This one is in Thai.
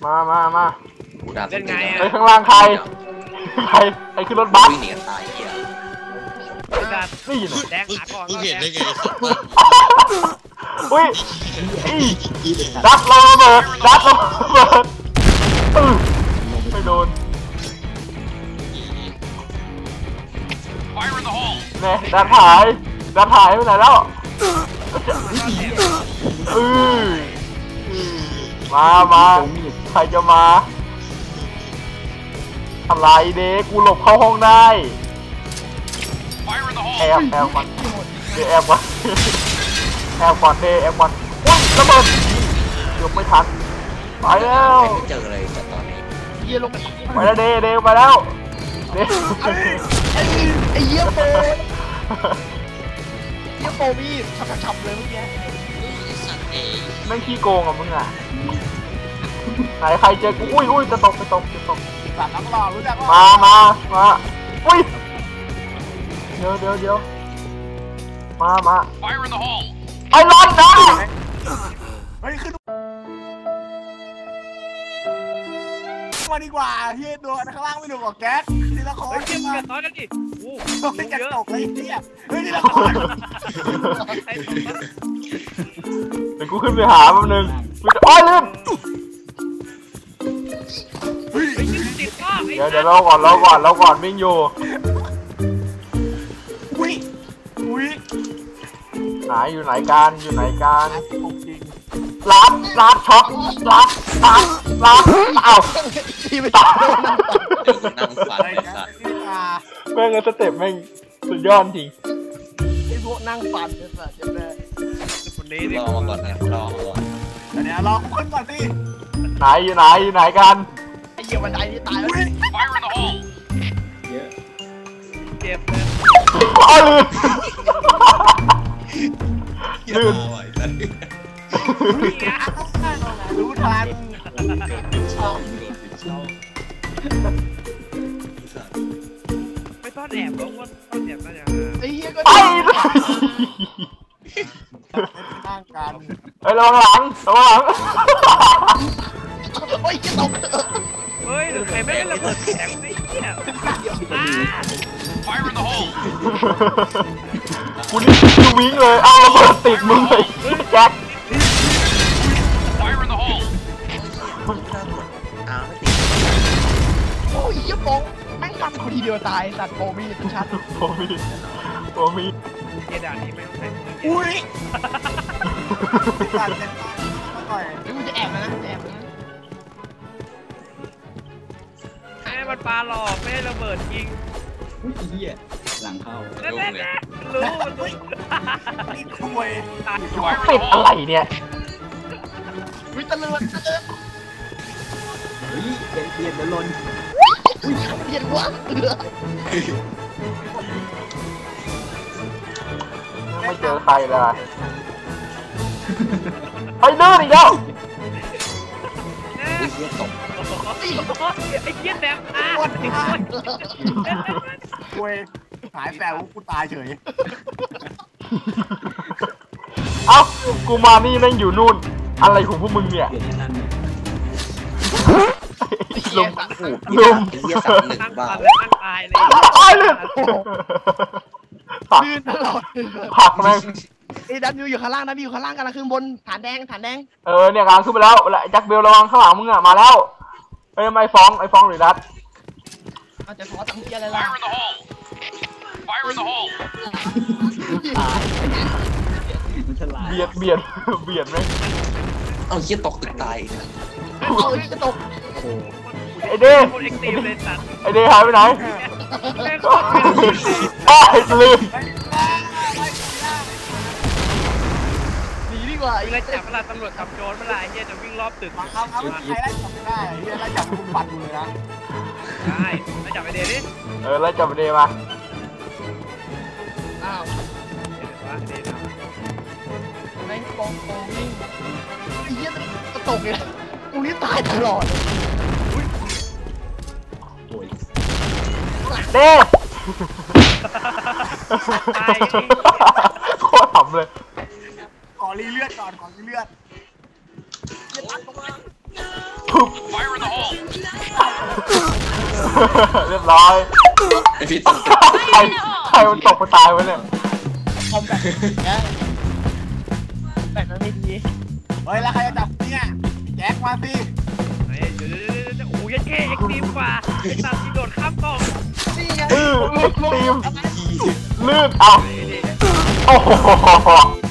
มาเล่นไงอ่ะไปข้างล่างใครขึ้นรถบัสวิ่งหนีกันตายเหี้ยนี่แดงหาก่อนเห็นได้ไงอุ้ยดักระเบิดไม่โดนเนี่ยดักหายไปไหนแล้วมาใครจะมาอะไรเด็กกูหลบเข้าห้องได้แอบก่อนแอบก่อนอุ้ยระเบิดยกไม่ทันไปแล้วไม่เจอเลยแต่ตอนนี้เยี่ยลงไปแล้วเดไปแล้วไอ้เยี่ยโปมีฉับเลยเมื่อกี้แม่งขี้โกงอ่ะมึงอ่ะไหนใครเจอกูอุ้ยจะตกสัตว์น้ำหล่อรู้จักมาอุ้ยเดี๋ยวมาไอ้ร้อนนะเฮ้ยขึ้นมาดีกว่าเฮียดูข้างล่างไม่ดูกว่าแก๊สนี่ละครเก็บน้อยกันดิโอ้ไม่จะตกเลยเฮียเฮ้ยนี่ละครเดี๋ยวกูขึ้นไปหาแป๊บนึงกูจะลืมเดี๋ยวเราก่อนวิ่งอยู่อยู่ไหนกันร้านช็อปร้านเอ้าที่ไม่ตัดนั่งฝันเลยสัตว์แม่งสเต็ปแม่งสุดยอดจริงไอ้พวกนั่งฝันเนี่ยสัตว์จะได้คนนี้รอมาก่อนนะรอเดี๋ยวรอขึ้นก่อนสิอยู่ไหนกันไอ้เหี้ยบันไดนี่ตายแล้วเจ็บลื่นรู้ทันไม่ต้อนแอบหรอกว่าต้อนแอบน่าจะไอ้เหี้ยก็นั่งกันระวังหลังโอ้ยจะตกเฮ้ยใครไม่ได้ระเบิดแข็งนี่เนี่ยกูนี่คือวิ่งเลยระเบิดติดมึงเลยแจ็คโอ้ยเหี้ยโป๊ะแม่งฟันคนทีเดียวตายสัตว์โปมีชัดโปมีเกด่านนี้ไม่ต้องใช้อุ้ยตัดเต็มต่อยนี่มึงจะแอบนะให้มันปลาหลอกไม่ให้ระเบิดยิงเหี้ยหลังเข้ารู้นี่คุยติดอะไรเนี่ยวิตามินเบียดลนเบียดวะไม่เจอใครเลยไอ้ดื้ออีกแล้วไอ้เหี้ยแดงคุยหายแปลว่ากูตายเฉยกูมานี่แม่งอยู่นู่นอะไรของพวกมึงเนี่ยลุมตั้งตายเลยลื่นตลอดผักแม่งไอ้ดันอยู่ข้างล่างนะอยู่ข้างล่างกำลังขึ้นบนฐานแดงเนี่ยกำลังขึ้นไปแล้วแจ็คเบลระวังข้างหลังมึงอ่ะมาแล้วไม่ฟ้องหรือดัดจะขอตังค์เกียร์อะไรล่ะเบียดไหมเอาเหี้ยตกตึกตายเอาเหี้ยจะตกไอเดย์หายไปไหนลืมหนีดีกว่าไล่จับเวลาตำรวจจับโจรเวลาไอ้เหี้ยจะวิ่งรอบตึกเอาใครไล่จับไม่ได้เหี้ยไล่จับคุณปันอยู่เลยนะได้ไล่จับไอเดย์ดิไล่จับไอเดย์มาอ้าวแม่งกองวิ่งไอ้เหี้ยจะตกเลยกูนี่ตายตลอดเด้โคตรขำเลยขอรีเลือดก่อนไเรียบร้อยไอพี่ตกใครมันตกมาตายวะเนี่ยคอมแบบนี้แบบนั้นไม่ดีเฮ้ยแล้วใครจะจับเนี่ยแจ็คมาสิเฮ้ยเดี๋ยวโอ้ยแค่เอ็กซ์ตรีมกว่าไอ้สัตว์ที่โดดข้ามกล่องนี่ไงเอ็กซ์ตรีมลื่นเอาโอ้โห